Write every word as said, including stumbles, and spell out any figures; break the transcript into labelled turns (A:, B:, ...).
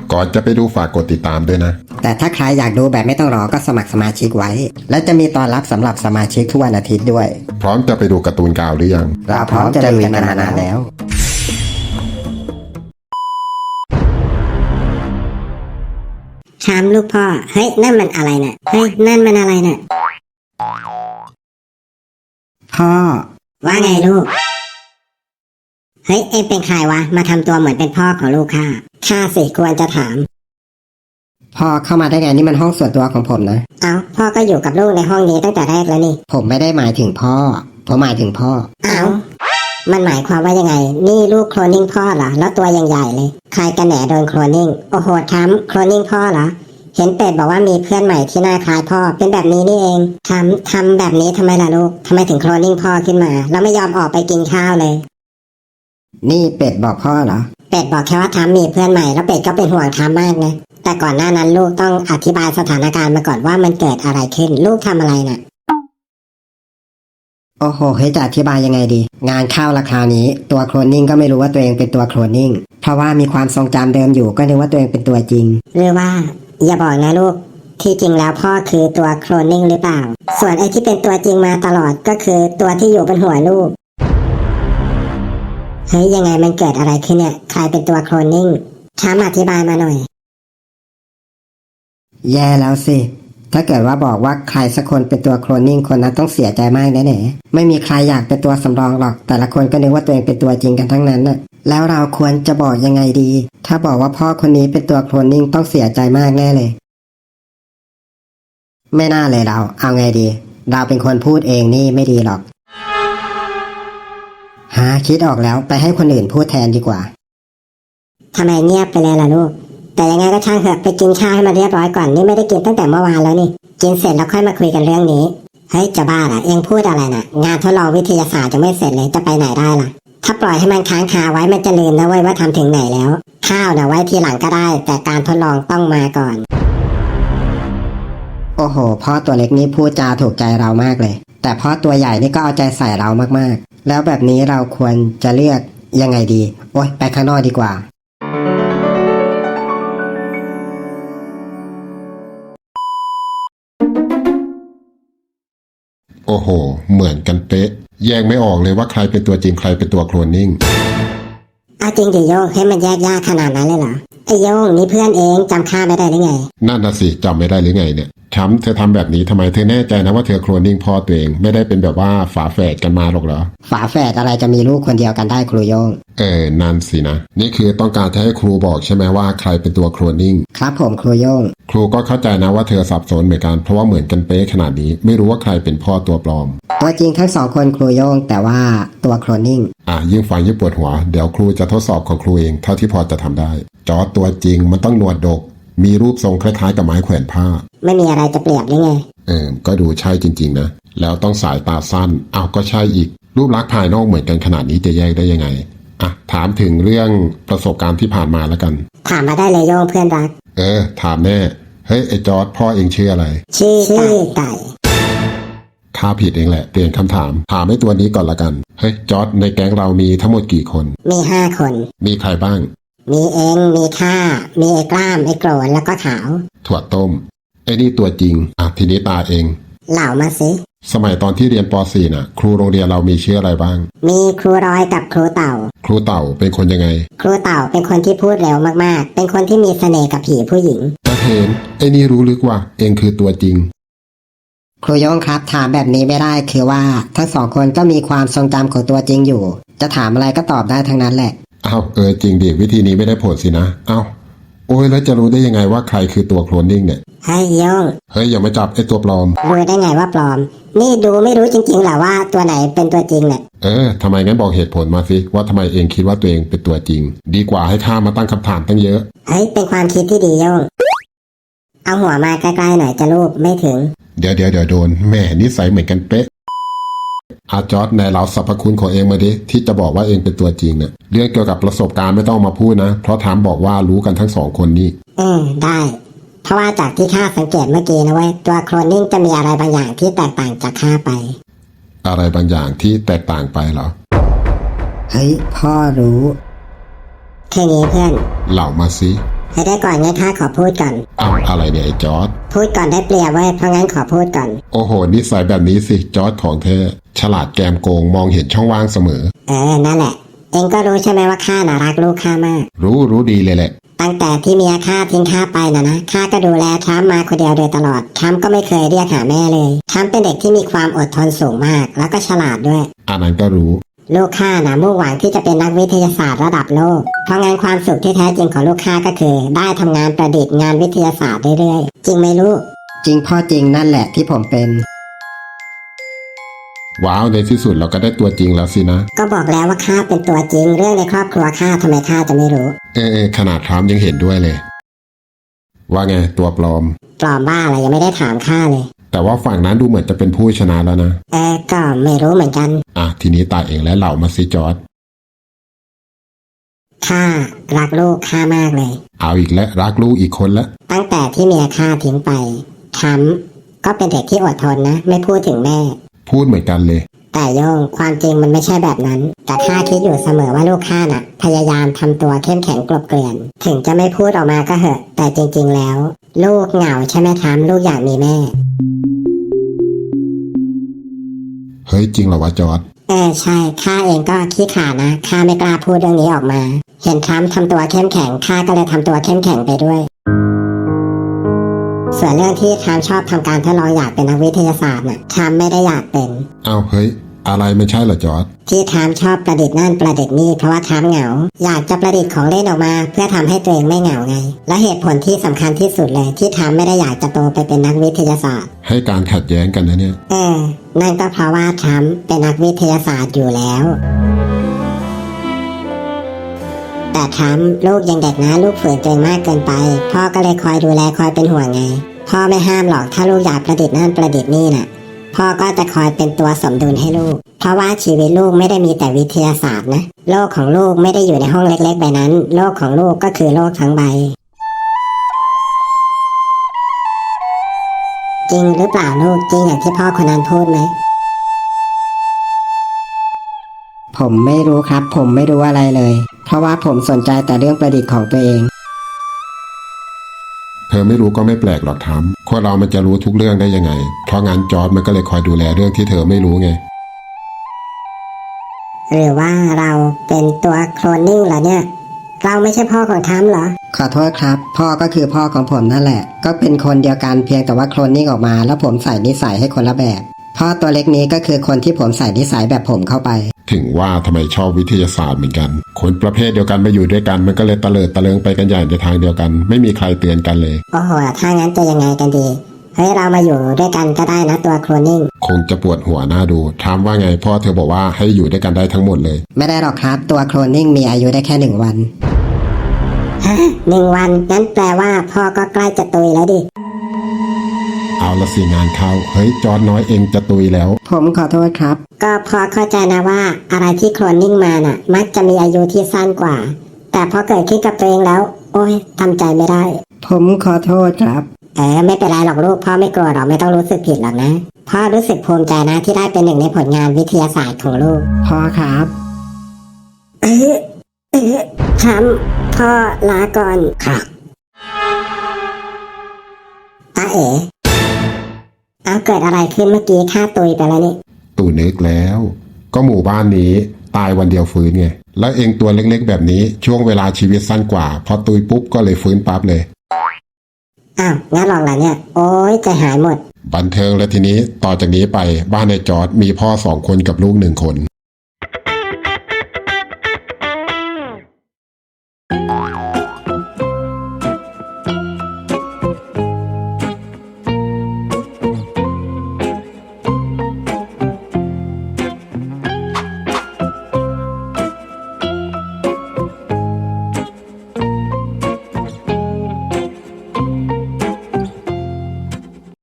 A: ก่อนจะไปดูฝากกดติดตามด้วยนะ
B: แต่ถ้าใครอยากดูแบบไม่ต้องรอก็สมัครสมาชิกไว้และจะมีตอนรับสำหรับสมาชิกทุกวันอาทิตย์ด้วย
A: พร้อมจะไปดูการ์ตูนกาวหรือยัง
B: เราพร้อมจะลุยกันมานานแล้ว
C: ชามลูกพ่อเฮ้ยนั่นมันอะไรน่ะเฮ้ยนั่นมันอะไรน่ะ
B: พ่อ
C: ว่าไงลูกเฮ้ยเอ็งเป็นใครวะมาทำตัวเหมือนเป็นพ่อของลูกข้าข้าสิควรจะถาม
B: พ่อเข้ามาได้ไงนี่มันห้องส่วนตัวของผมนะ
C: เอ้าพ่อก็อยู่กับลูกในห้องนี้ตั้งแต่แรกแล้วนี่
B: ผมไม่ได้หมายถึงพ่อผมหมายถึงพ่อ
C: เอ้ามันหมายความว่ายังไงนี่ลูกโคลนนิ่งพ่อเหรอแล้วตัวยังใหญ่เลยใครกันแหนโดนโคลนนิ่งโอ้โหทำโคลนนิ่งพ่อเหรอเห็นเป็ดบอกว่ามีเพื่อนใหม่ที่หน้าคล้ายพ่อเป็นแบบนี้นี่เองทำทำแบบนี้ทำไมล่ะลูกทำไมถึงโคลนนิ่งพ่อขึ้นมาแล้วไม่ยอมออกไปกินข้าวเลย
B: นี่เป็ดบอกพ่อเหรอ
C: เป็ดบอกแค่ว่าทำมีเพื่อนใหม่แล้วเป็ดก็เป็นห่วงทำมากนะแต่ก่อนหน้านั้นลูกต้องอธิบายสถานการณ์มาก่อนว่ามันเกิดอะไรขึ้นลูกทำอะไรน่ะ
B: โอ้โหเฮ้ยจะอธิบายยังไงดีงานเข้าราคานี้ตัวโคลนนิ่งก็ไม่รู้ว่าตัวเองเป็นตัวโคลนนิ่งเพราะว่ามีความทรงจำเดิมอยู่ก็นึกว่าตัวเองเป็นตัวจริง
C: หรือว่าอย่าบอกนะลูกที่จริงแล้วพ่อคือตัวโคลนนิ่งหรือเปล่าส่วนไอ้ที่เป็นตัวจริงมาตลอดก็คือตัวที่อยู่บนหัวลูกเฮ้ยยังไงมันเกิดอะไรขึ้นเนี่ยใครเป็นตัวโคลนนิ่งช้าอธิบายมาหน่อย
B: แย่แล้วสิถ้าเกิดว่าบอกว่าใครสักคนเป็นตัวโคลนนิ่งคนนั้นต้องเสียใจมากแน่ๆไม่มีใครอยากเป็นตัวสำรองหรอกแต่ละคนก็นึกว่าตัวเองเป็นตัวจริงกันทั้งนั้นน่ะแล้วเราควรจะบอกยังไงดีถ้าบอกว่าพ่อคนนี้เป็นตัวโคลนนิ่งต้องเสียใจมากแน่เลยไม่น่าเลยเราเอาไงดีเราเป็นคนพูดเองนี่ไม่ดีหรอกหาคิดออกแล้วไปให้คนอื่นพูดแทนดีกว่า
C: ทำไมเงียบไปเลยล่ะลูกแต่ยังไงก็ช่างเถอะไปกินข้าวให้มันเรียบร้อยก่อนนี่ไม่ได้กินตั้งแต่เมื่อวานแล้วนี่กินเสร็จแล้วค่อยมาคุยกันเรื่องนี้เฮ้ยจะบ้าเหรอเอ็งพูดอะไรน่ะงานทดลองวิทยาศาสตร์จะไม่เสร็จเลยจะไปไหนได้ล่ะถ้าปล่อยให้มันค้างคาไว้มันจะลืมนะเว้ยว่าทำถึงไหนแล้วข้าวน่ะไว้ทีหลังก็ได้แต่การทดลองต้องมาก่อน
B: โอ้โหพ่อตัวเล็กนี่พูดจาถูกใจเรามากเลยแต่พ่อตัวใหญ่นี่ก็เอาใจใส่เรามากๆแล้วแบบนี้เราควรจะเลือกยังไงดีโอ๊ยไปข้างนอกดีกว่า
A: โอ้โหเหมือนกันเป๊ะแยกไม่ออกเลยว่าใครเป็นตัวจริงใครเป็นตัวโคลนนิ่ง
C: เอาจริงดิโยงให้มันแยกยากขนาดนั้นเลยเหรอไอโยงนี่เพื่อนเองจำข้าไม่ได้หรือไง
A: นั่นน่ะสิจำไม่ได้หรือไงเนี่ยช้ำเธอทำแบบนี้ทำไมเธอแน่ใจนะว่าเธอโคลนนิ่งพ่อตัวเองไม่ได้เป็นแบบว่าฝาแฝดกันมาหรอกเหรอ
B: ฝาแฝดอะไรจะมีลูกคนเดียวกันได้ครูโยง
A: เออนั่นสินะนี่คือต้องการจะให้ครูบอกใช่ไหมว่าใครเป็นตัวโคลนนิ่ง
B: ครับผมครูโยง
A: ครูก็เข้าใจนะว่าเธอสับสนเหมือนกันเพราะว่าเหมือนกันเป๊ะขนาดนี้ไม่รู้ว่าใครเป็นพ่อตัวปลอม
B: ตัวจริงทั้งสองคนครูโยงแต่ว่าตัวโคลนนิ่ง
A: อ่ะยิ่งฟังยิ่งปวดหัวเดี๋ยวครูจะทดสอบของครูเองเท่าที่พอจะทำได้จอร์จตัวจริงมันต้องหนวดดกมีรูปทรงคล้ายๆกับไม้แขวนผ้า
C: ไม่มีอะไรจะเปรียบหรือไง
A: เออก็ดูใช่จริงๆนะแล้วต้องสายตาสั้นเอาก็ใช่อีกรูปลักษณ์ภายนอกเหมือนกันขนาดนี้จะแยกได้ยังไงอ่ะถามถึงเรื่องประสบการณ์ที่ผ่านมาแล้วกัน
C: ถามมาได้เลยโยงเพื่อนรัก
A: เออถามแน่เฮ้ยไอ้จอร์จพ่อเองชื่ออะไร
C: ชื่อไก่
A: ข้าผิดเองแหละเปลี่ยนคำถามถามไอ้ตัวนี้ก่อนละกันเฮ้ยจอร์จในแก๊งเรามีทั้งหมดกี่คน
C: มีห้าคน
A: มีใครบ้าง
C: มีเองมีข้ามีไอ้กล้ามไอ้โกรนแล้วก็ขาว
A: ถั่วต้มไอ้นี่ตัวจริงอ่ะทีนี้ตาเอง
C: เหล่ามาสิ
A: สมัยตอนที่เรียนป .สี่ น่ะครูโรงเรียนเรามีชื่ออะไรบ้าง
C: มีครูรอยกับครูเต่า
A: ครูเต่าเป็นคนยังไง
C: ครูเต่าเป็นคนที่พูดเร็วมากๆเป็นคนที่มีเสน่ห์กับผีผู้หญิง
A: ตาเห็นไอ้นี่รู้ลึกว่าเองคือตัวจริง
B: ครูโยงครับถามแบบนี้ไม่ได้คือว่าทั้งสองคนก็มีความทรงจำของตัวจริงอยู่จะถามอะไรก็ตอบได้ทั้งนั้นแหละ
A: อ้าวเออจริงดิวิธีนี้ไม่ได้ผลสินะอ้าวโอ้ยแล้วจะรู้ได้ยังไงว่าใครคือตัวโคลนนิ่งเนี่ย
C: เฮ้ยโยง
A: เฮ้ยอย่ามาจับไอ้ตัวปลอม
C: รู้ได้ไงว่าปลอมนี่ดูไม่รู้จริงๆหรอว่าตัวไหนเป็นตัวจริงเนี่ย
A: เออทำไมงั้นบอกเหตุผลมาสิว่าทำไมเองคิดว่าตัวเองเป็นตัวจริงดีกว่าให้ข้ามาตั้งคำถามตั้งเยอะ
C: เฮ้ยเป็นความคิดที่ดีโยงเอาหัวมาใกล้ๆหน่อยจะรูปไม่ถึง
A: เดี๋ยวเดี๋ยวเดี๋ยวโดนแม่นิสัยเหมือนกันเป๊ะอาจอร์จในเราสรรพคุณของเองมาดิที่จะบอกว่าเองเป็นตัวจริงเนี่ยเรื่องเกี่ยวกับประสบการณ์ไม่ต้องมาพูดนะเพราะถามบอกว่ารู้กันทั้งสองคนนี่
C: อืมได้เพราะว่าจากที่ข้าสังเกตเมื่อกี้นะเว้ยตัวโคลนนิ่งจะมีอะไรบางอย่างที่แตกต่างจากข้าไป
A: อะไรบางอย่างที่แตกต่างไปเหรอ
B: เฮ้ยพ่อรู้
C: แค่นี้เพื่อน
A: เล่ามาสิ
C: ให้ได้ก่อนงั้นข้าขอพูดก่อน
A: เอาอะไรเนี่ยไอ้จอร์ด
C: พูดก่อนได้เปรียบเว้ยเพราะงั้นขอพูดก่อน
A: โอ้โหนิสัยแบบนี้สิจอร์ดของเธอฉลาดแกมโกงมองเห็นช่องว่างเสมอ
C: เออนั่นแหละ เองก็รู้ใช่ไหมว่าข้าน่ารักลูกข้ามาก
A: รู้รู้ดีเลยแหละ
C: ตั้งแต่ที่เมียข้าทิ้งข้าไปนะนะข้าก็ดูแลทรัมป์มาคนเดียวโดยตลอดทรัมป์ก็ไม่เคยเรียกหาแม่เลยทรัมป์เป็นเด็กที่มีความอดทนสูงมาก แล้วก็ฉลาดด้วย
A: อันนั้นก็รู้
C: ลูกข้านะมุ่งหวังที่จะเป็นนักวิทยาศาสตร์ระดับโลก เพราะงั้นความสุขที่แท้จริงของลูกข้าก็คือ ได้ทำงานประดิษฐ์งานวิทยาศาสตร์เรื่อยๆจริงไหมลูก
B: จริงพ่อจริงนั่นแหละที่ผมเป็น
A: ว้าวในที่สุดเราก็ได้ตัวจริงแล้วสินะ
C: ก็บอกแล้วว่าข้าเป็นตัวจริงเรื่องในครอบครัวข้าทำไมข้าจะไม่รู้
A: เออเออขนาดทรัมป์ยังเห็นด้วยเลย ว่าไงตัวปลอม
C: ปลอมบ้าอะไรยังไม่ได้ถามข้าเลย
A: แต่ว่าฝั่งนั้นดูเหมือนจะเป็นผู้ชนะแล้วนะ
C: เออก็ไม่รู้เหมือนกัน
A: อ่ะทีนี้ตาเองและเหล่ามาซิจอร์ด
C: ข้ารักลูกข้ามากเลย
A: เอาอีกแล้วรักลูกอีกคนละ
C: ตั้งแต่ที่เมียข้าทิ้งไปทรัมป์ก็เป็นเด็กที่อดทนนะ ไม่พูดถึงแม่
A: พูดเหมือนกันเลย
C: แต่โยงความจริงมันไม่ใช่แบบนั้น แต่ข้าคิดอยู่เสมอว่าลูกข้าน่ะ พยายามทำตัวเข้มแข็งกลบเกลื่อน ถึงจะไม่พูดออกมาก็เหอะ แต่จริงๆแล้ว ลูกเหงาใช่ไหมทรัมป์ลูกอยากมีแม่
A: เฮ้ยจริงเหรอวะจอร์ด
C: เออใช่ข้าเองก็ขี้ขลาดนะข้าไม่กล้าพูดเรื่องนี้ออกมา เห็นทรัมป์ทำตัวเข้มแข็งข้าก็เลยทำตัวเข้มแข็งไปด้วย ส่วนเรื่องที่ทรัมป์ชอบทำการทดลองอยากเป็นนักวิทยาศาสตร์น่ะทรัมป์ไม่ได้อยากเป็น
A: เอาเฮ้ยอะไรไม่ใช่เหรอจอร์ด
C: ที่ทรัมป์ชอบประดิษฐ์นั่นประดิษฐ์นี่เพราะว่าทรัมป์เหงา อยากจะประดิษฐ์ของเล่นออกมา เพื่อทำให้ตัวเองไม่เหงาไง และเหตุผลที่สำคัญที่สุดเลยที่ทรัมป์ไม่ได้อยากจะโตไปเป็นนักวิทยาศาสตร์
A: ให้การขัดแย้งกันนะเนี่ย
C: เออนั่นก็เพราะว่าทรัมป์เป็นนักวิทยาศาสตร์อยู่แล้ว แต่ทรัมป์ลูกยังเด็กนะลูกฝืนตัวเองมากเกินไป พ่อก็เลยคอยดูแลคอยเป็นห่วงไง พ่อไม่ห้ามหรอกถ้าลูกอยากประดิษฐ์นั่นประดิษฐ์นี่น่ะ พ่อก็จะคอยเป็นตัวสมดุลให้ลูก เพราะว่าชีวิตลูกไม่ได้มีแต่วิทยาศาสตร์นะ โลกของลูกไม่ได้อยู่ในห้องเล็กๆใบนั้น โลกของลูกก็คือโลกทั้งใบ จริงหรือเปล่าลูกจริงอย่างที่พ่อคนนั้นพูดไหม
B: ผมไม่รู้ครับ ผมไม่รู้อะไรเลย เพราะว่าผมสนใจแต่เรื่องประดิษฐ์ของตัวเอง
A: เธอไม่รู้ก็ไม่แปลกหรอกทรัมป์คนเรามันจะรู้ทุกเรื่องได้ยังไง เพราะงั้นจอร์ดมันก็เลยคอยดูแลเรื่องที่เธอไม่รู้ไง
C: หรือว่าเราเป็นตัวโคลนนิ่งเหรอเนี่ย เราไม่ใช่พ่อของทรัมป์เหรอ
B: ขอโทษครับ พ่อก็คือพ่อของผมนั่นแหละ ก็เป็นคนเดียวกันเพียงแต่ว่าโคลนนิ่งออกมา แล้วผมใส่นิสัยให้คนละแบบ พ่อตัวเล็กนี้ก็คือคนที่ผมใส่นิสัยแบบผมเข้าไป
A: ถึงว่าทำไมชอบวิทยาศาสตร์เหมือนกัน คนประเภทเดียวกันมาอยู่ด้วยกันมันก็เลยตะเลิดตะเลิงไปกันใหญ่ในทางเดียวกัน ไม่มีใครเตือนกันเลย
C: โอ้โห ถ้างั้นจะยังไงกันดี เฮ้ย เรามาอยู่ด้วยกันก็ได้นะตัวโคลนนิ่ง
A: คงจะปวดหัวหน้าดูถามว่าไงพ่อเธอบอกว่าให้อยู่ด้วยกันได้ทั้งหมดเลย
B: ไม่ได้หรอกครับ ตัวโคลนนิ่งมีอายุได้แค่หนึ่งวัน
C: ฮะหนึ่งวันงั้นแปลว่าพ่อก็ใกล้จะตุยแล้วดิ
A: เอาละสิงานเข้าเฮ้ยจอร์ดน้อยเองจะตุยแล้ว
B: ผมขอโทษครับ
C: ก็พอเข้าใจนะว่าอะไรที่โคลนนิ่งมาน่ะ มักจะมีอายุที่สั้นกว่า แต่พอเกิดขึ้นกับตัวเองแล้ว โอ้ยทำใจไม่ได้
B: ผมขอโทษครับ
C: เออไม่เป็นไรหรอกลูกพ่อไม่โกรธหรอกไม่ต้องรู้สึกผิดหรอกนะพ่อรู้สึกภูมิใจนะที่ได้เป็นหนึ่งในผลงานวิทยาศาสตร์ของลูก
B: พ่อครับ
C: เออเออทำพ่อลาก่อนค่ะตาเอ๋เอาเกิดอะไรขึ้นเมื่อกี้ข้าตุยไปแล้วนี่
A: ตู่นึกแล้ว ก็หมู่บ้านนี้ตายวันเดียวฟื้นไงแล้วเองตัวเล็กๆแบบนี้ช่วงเวลาชีวิตสั้นกว่าพอตุยปุ๊บก็เลยฟื้นปั๊บเลย
C: อ้าวงั้นลองละเนี่ยโอ้ยใจหายหมด
A: บันเทิงแล้วทีนี้ต่อจากนี้ไปบ้านในจอร์ดมีพ่อสองคนกับลูกหนึ่งคน